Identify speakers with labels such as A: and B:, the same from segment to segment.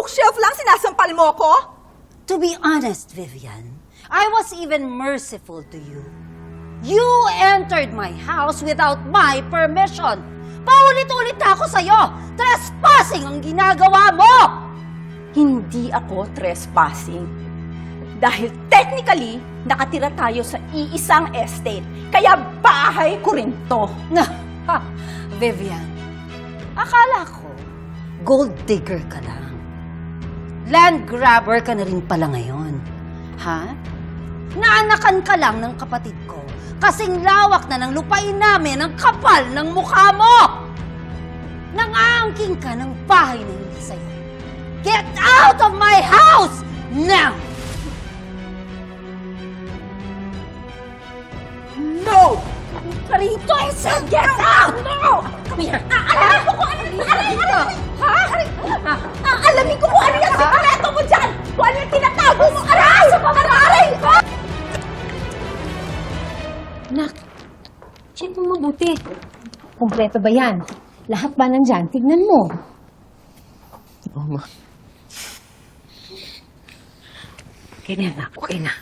A: bookshelf lang sinasampal mo ko?
B: To be honest, Vivian, I was even merciful to you. You entered my house without my permission. Paulit-ulit na ako sa'yo. Trespassing ang ginagawa mo!
A: Hindi ako trespassing. Dahil technically, nakatira tayo sa iisang estate. Kaya bahay ko rin to.
B: Vivian, akala ko, gold digger ka lang. Land grabber ka na rin pala ngayon. Ha? Naanakan ka lang ng kapatid ko. Kasing lawak na ng lupain namin ang kapal ng mukha mo! Nangaangking ka ng bahay na hindi sa'yo. Get out of my house! Now!
A: No! Karito, I said get out! No!
B: Come here!
A: Aalamin ko kung ano yung dito! Ha? Aalamin ko kung ano yung sikreto mo dyan! Kung ano yung tinatago mo! Aray! Aray!
C: Nak, check mo mabuti. Kompleto ba yan? Lahat ba nandyan? Tignan mo.
D: Oo, ma.
C: Okay na, anak. Okay na.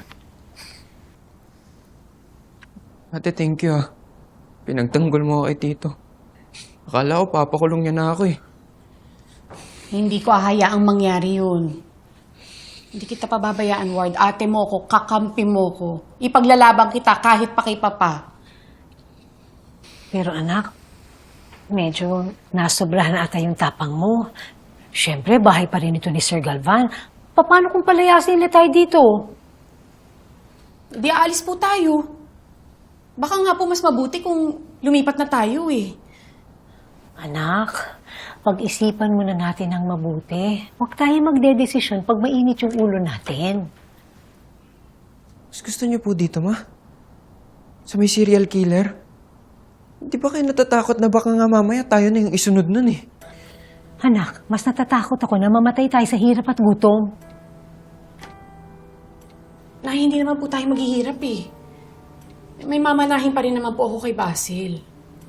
D: Ate, thank you ah. Pinagtanggol mo ako kay Tito. Akala ko papakulong niya na ako eh.
E: Hindi ko hahayaang mangyari yun. Hindi kita pababayaan, Ward. Ate mo ko, kakampi mo ko. Ipaglalabang kita kahit pa kay Papa.
C: Pero anak, medyo nasobrahan na ata yung tapang mo. Siyempre, bahay pa rin ito ni Sir Galvan. Paano kung palayasin nila tayo dito?
E: Di aalis po tayo. Baka nga po mas mabuti kung lumipat na tayo eh.
C: Anak, pag-isipan muna natin ng mabuti. Huwag tayo magdedesisyon pag mainit yung ulo natin.
D: Mas gusto niyo po dito, ma? Sa may serial killer? Di ba kayo natatakot na baka nga mamaya tayo na yung isunod nun eh?
C: Anak, mas natatakot ako na mamatay tayo sa hirap at gutom.
E: Nay, hindi naman po tayo maghihirap eh. May mamanahin pa rin naman po ako kay Basil.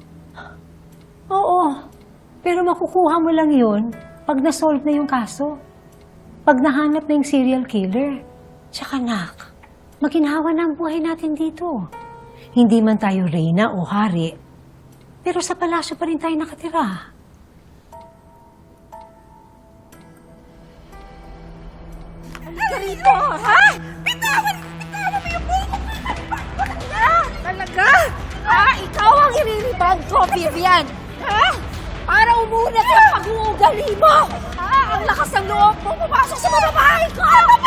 C: Oo, pero makukuha mo lang yun pag na-solve na yung kaso. Pag nahanap na yung serial killer. Tsaka nak, maginhawa na ang buhay natin dito. Hindi man tayo reyna o hari, pero sa palasyo pa rin tayo nakatira.
A: Halika rito, ha? Bitawan mo yung buko! Talaga?
B: Ikaw ang iriribang ko, Vivian!
A: Ha?
B: Para umunat ang pag-uugali mo! Ang lakas ng loob mo pumasok sa mga bahay ko!